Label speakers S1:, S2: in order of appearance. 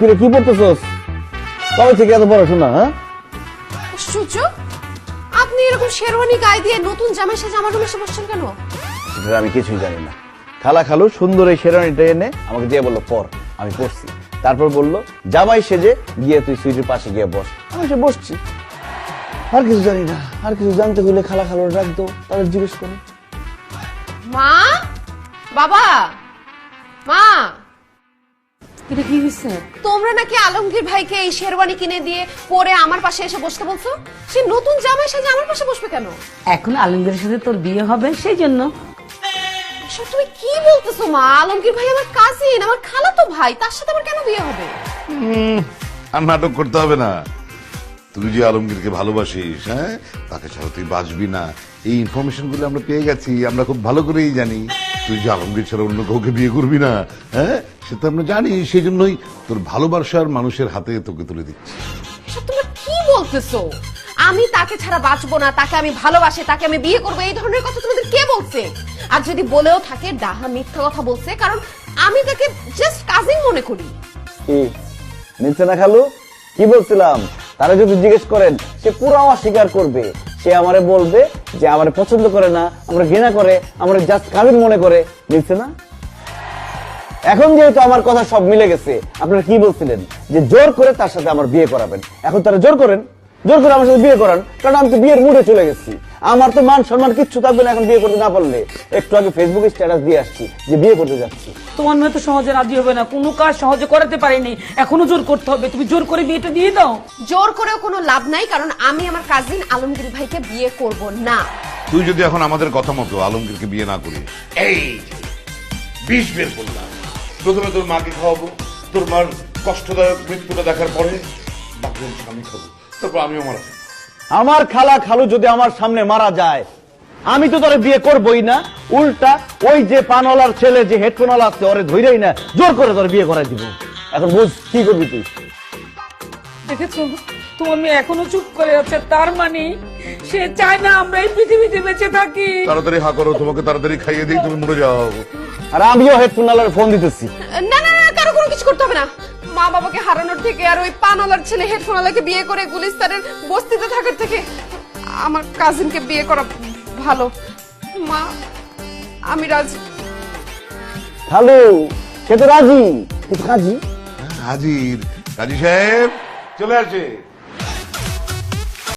S1: কিরে কি পড়তেছস? কবে থেকে এত পড়াশোনা? হ্যাঁ,
S2: আশ্চর্য, আপনি এরকম শেরওয়ানি গায়ে দিয়ে নতুন জামাই সেজে আমার রুমে এসে বসছেন কেন?
S1: এটা আমি কিছুই জানি না। খালু সুন্দর এই শেরওয়ানিটা এনে আমাকে দিয়ে বললো পর, আমি পড়ছি। তারপর বললো জামাই সেজে গিয়ে তুই সুইটির পাশে গিয়ে বস। আমি এসে বসছি, আর কিছু জানি না। আর কিছু জানতে হলে খালুর ডাক দো, তাদের জিজ্ঞেস করো।
S2: মা, বাবা, মা,
S3: এটা কি হয়েছে?
S2: তোমরা নাকি আলমগীর ভাইকে এই শেরওয়ানি কিনে দিয়ে পরে আমার পাশে এসে বসতে বলছো? সে নতুন জামাই সেজে আমার পাশে বসবে কেন?
S3: এখন আলমগীরের সাথে তোর বিয়ে হবে সেই জন্য।
S2: এসব তুমি কি বলতেছো মা? আলমগীর ভাই আমার কাজিন, আমার খালাতো ভাই, তার সাথে আমার কেন বিয়ে হবে?
S4: আর নাটক করতে হবে না। তুই যে আলমগীরকে ভালোবাসিস, হ্যাঁ, তাকে ছাড়া তুই বাঁচবি না। এই ইনফরমেশন গুলো আমরা পেয়ে গেছি, আমরা খুব ভালো করেই জানি। তুই যে আলমগীর ছাড়া অন্য কাউকে বিয়ে করবি না, হ্যাঁ, সেটা আমরা জানি। সেই জন্যই তোর ভালোবাসার মানুষের হাতে তোকে তুলে দিচ্ছি।
S2: এসব তোমরা কি বলতেছো? আমি তাকে ছাড়া বাঁচবো না, তাকে আমি ভালোবাসি, তাকে আমি বিয়ে করবো, এই ধরনের কথা তোমাদের কে বলছে? আর যদি বলেও থাকে ডাহা মিথ্যা কথা বলছে, কারণ আমি তাকে জাস্ট কাজিন মনে করি।
S1: কি নিচ্ছে না খালু? কি বলছিলাম? তারা যদি জিজ্ঞেস করেন সে পুরো অস্বীকার করবে। সে আমারে বলবে যে আমারে পছন্দ করে না, আমরা ঘৃণা করে, আমরা জাস্ট কাজিন মনে করে। নিচ্ছে না? এখন যেহেতু আমার কথা সব মিলে গেছে, আপনারা কি বলছিলেন যে জোর করে তার সাথে আমার বিয়ে করাবেন। এখন তারা জোর করেন, জোর করে আমার সাথে বিয়ে করান, কারণ আমি তো বিয়ের মুডে চলে গেছি। আমার তো মান সম্মান কিচ্ছু থাকবে না এখন বিয়ে করতে না পারলে। একটু আগে ফেসবুকে স্ট্যাটাস দিয়ে আসছি যে বিয়ে করতে যাচ্ছি।
S3: তোমার মেয়ে তো সহজে রাজি হবে না, কোনো কাজ সহজে করাতে পারেনি, এখনো জোর করতে হবে। তুমি জোর করে বিয়েটা দিয়ে দাও।
S2: জোর করেও কোনো লাভ নাই, কারণ আমি আমার কাজিন আলমগীর ভাইকে বিয়ে করব না।
S4: তুই যদি এখন আমাদের কথা মতো আলমগীরকে বিয়ে না করিস, এই বিষ বের করলাম। প্রথমে তোর মাকে খাওয়াবো, তোর মার কষ্টদায়ক মৃত্যুটা দেখার পরে বাকি অংশ আমি খাবো, তারপর আমিও মারা যাবো।
S1: আমার খালু যদি আমার সামনে মারা যায়, আমি তো তোরে বিয়ে করবই না। উল্টা ওই যে পানওয়ালার ছেলে, যে হেডফোনওয়ালা আছে, ওরে ধইরাই না জোর করে তোরে বিয়ে করাই দিব। এখন বুঝ কি করবি তুই।
S3: দেখেছো, তোমার মেয়ে এখনো চুপ করে আছে। তার মানে সে চায় না আমরা এই পৃথিবীতে বেঁচে থাকি।
S4: তাড়াতাড়ি হা করো, তোমাকে তাড়াতাড়ি খাইয়ে দিই, তুমি মরে যাও।
S1: আর আমিও হেডফোনওয়ালার ফোন দিতেছি।
S2: না না না, কারো কোনো কিছু করতে হবে না। মা বাবাকে হারানোর থেকে আর ওই পানওয়ালার ছেলে হেডফোনওয়ালাকে বিয়ে করে গুলিস্তানের বস্তিতে থাকার থেকে আমার কাজিনকে বিয়ে করা ভালো। মা, আমি রাজি।
S1: খালু সে তো রাজি, কিন্তু কাজী
S4: হাজির কাজী সাহেব চলে আসে।